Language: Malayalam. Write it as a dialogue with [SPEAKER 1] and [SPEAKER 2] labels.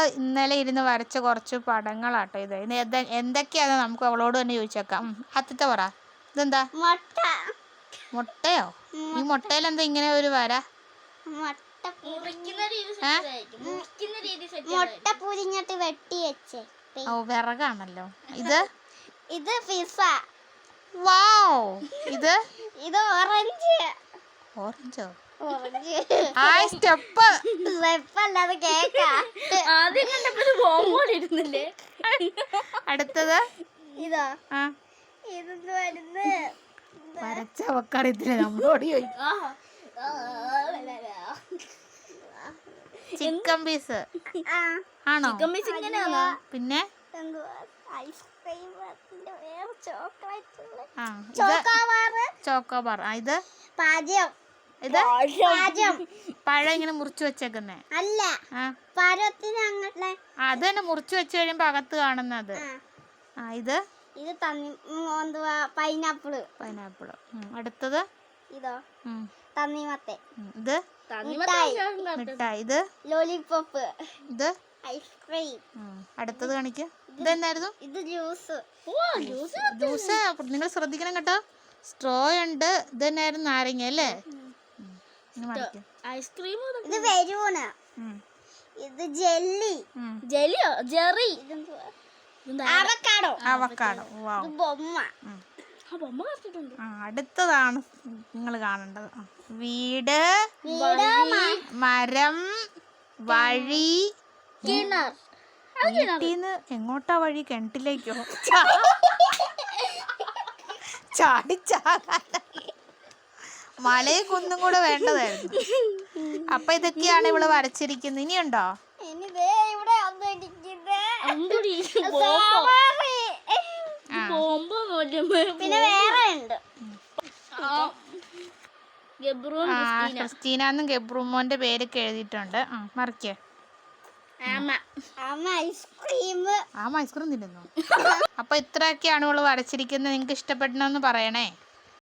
[SPEAKER 1] ഇന്നലെ ഇരുന്ന് വരച്ച കുറച്ച് പടങ്ങളാട്ടോ ഇത്. എന്തൊക്കെയാണെന്ന് നമുക്ക് അവളോട് തന്നെ ചോദിച്ചേക്കാം. ആദ്യത്തെ പറ. ഇതെന്താ? മുട്ടയോ? ഈ മുട്ടയിൽ എന്താ ഇങ്ങനെ ഒരു വര?
[SPEAKER 2] മുട്ട പുരിഞ്ഞിട്ട് വെട്ടി വെച്ചേ.
[SPEAKER 1] ഓ, വിറകാണല്ലോ. ഇത്
[SPEAKER 2] പിസ്സ.
[SPEAKER 1] വാവ്. ഇത്
[SPEAKER 2] ഓറഞ്ച്.
[SPEAKER 1] ഓറഞ്ചോ?
[SPEAKER 2] ആ സ്റ്റെപ്പ് അല്ലാതെ കേക്കാ.
[SPEAKER 3] ആദ്യം കണ്ടപ്പോ ബോംബോടെ ഇരുന്നില്ലേ?
[SPEAKER 1] അടുത്തത്
[SPEAKER 2] ഇതാ.
[SPEAKER 1] ഇതെന്ത് വരുന്നത്? വരച്ച അവക്കറിയത്തില്ല, നമ്മളോട് ചോദിക്കും. ചിക്കൻ പീസ് ആണോ? പിന്നെ ചോക്കോബാർ. ഇത് പഴം ഇങ്ങനെ മുറിച്ചു വെച്ചേക്കുന്നേ
[SPEAKER 2] അല്ല,
[SPEAKER 1] അത് തന്നെ മുറിച്ചു വെച്ച് കഴിയുമ്പോ അകത്ത് കാണുന്നത്. ഇത്
[SPEAKER 2] പൈനാപ്പിള്.
[SPEAKER 1] അടുത്തത്
[SPEAKER 2] തണ്ണിമത്തൻ.
[SPEAKER 1] ഇത് മിഠായി. ഇത്
[SPEAKER 2] ലോലിപോപ്പ്.
[SPEAKER 1] ഇത്
[SPEAKER 2] ഐസ്ക്രീം.
[SPEAKER 1] അടുത്തത് കാണിക്ക്. ഇതെന്നായിരുന്നു?
[SPEAKER 2] ഇത് ജ്യൂസ്.
[SPEAKER 1] ജ്യൂസ് നിങ്ങൾ ശ്രദ്ധിക്കണം കേട്ടോ. സ്ട്രോ ഉണ്ട്. ഇത് തന്നെയായിരുന്നു നാരങ്ങ അല്ലേ?
[SPEAKER 3] ഐസ്ക്രീം.
[SPEAKER 2] ഇത് ബലൂണ്. ഇത് ജെല്ലി.
[SPEAKER 3] ജെല്ലിയോ? ജെറി.
[SPEAKER 2] അവക്കാഡോ.
[SPEAKER 1] വാവ്.
[SPEAKER 2] ബൊമ്മ.
[SPEAKER 1] അടുത്തതാണ് നിങ്ങൾ കാണേണ്ടത്. വീട്, മരം, വഴി. വീട്ടീന്ന് എങ്ങോട്ടാ വഴി? കിണറ്റിലേക്കോ? ചാടിച്ചാകാൻ മലയെ കുന്നും കൂടെ വേണ്ടതായിരുന്നു. അപ്പൊ ഇതൊക്കെയാണ് ഇവള് വരച്ചിരിക്കുന്നത്. ഇനിയുണ്ടോ?
[SPEAKER 2] പിന്നെ വേറെ ഉണ്ട്.
[SPEAKER 1] ക്രിസ്റ്റീനാന്നും ഗബ്രൂമോന്റെ പേരൊക്കെ എഴുതിയിട്ടുണ്ട്. മറിക്കേ. ഐസ്ക്രീം തിന്നുന്നു. അപ്പൊ ഇത്രയൊക്കെയാണ് ഇവള് വരച്ചിരിക്കുന്നത്. നിങ്ങക്ക് ഇഷ്ടപ്പെടണമെന്ന് പറയണേ.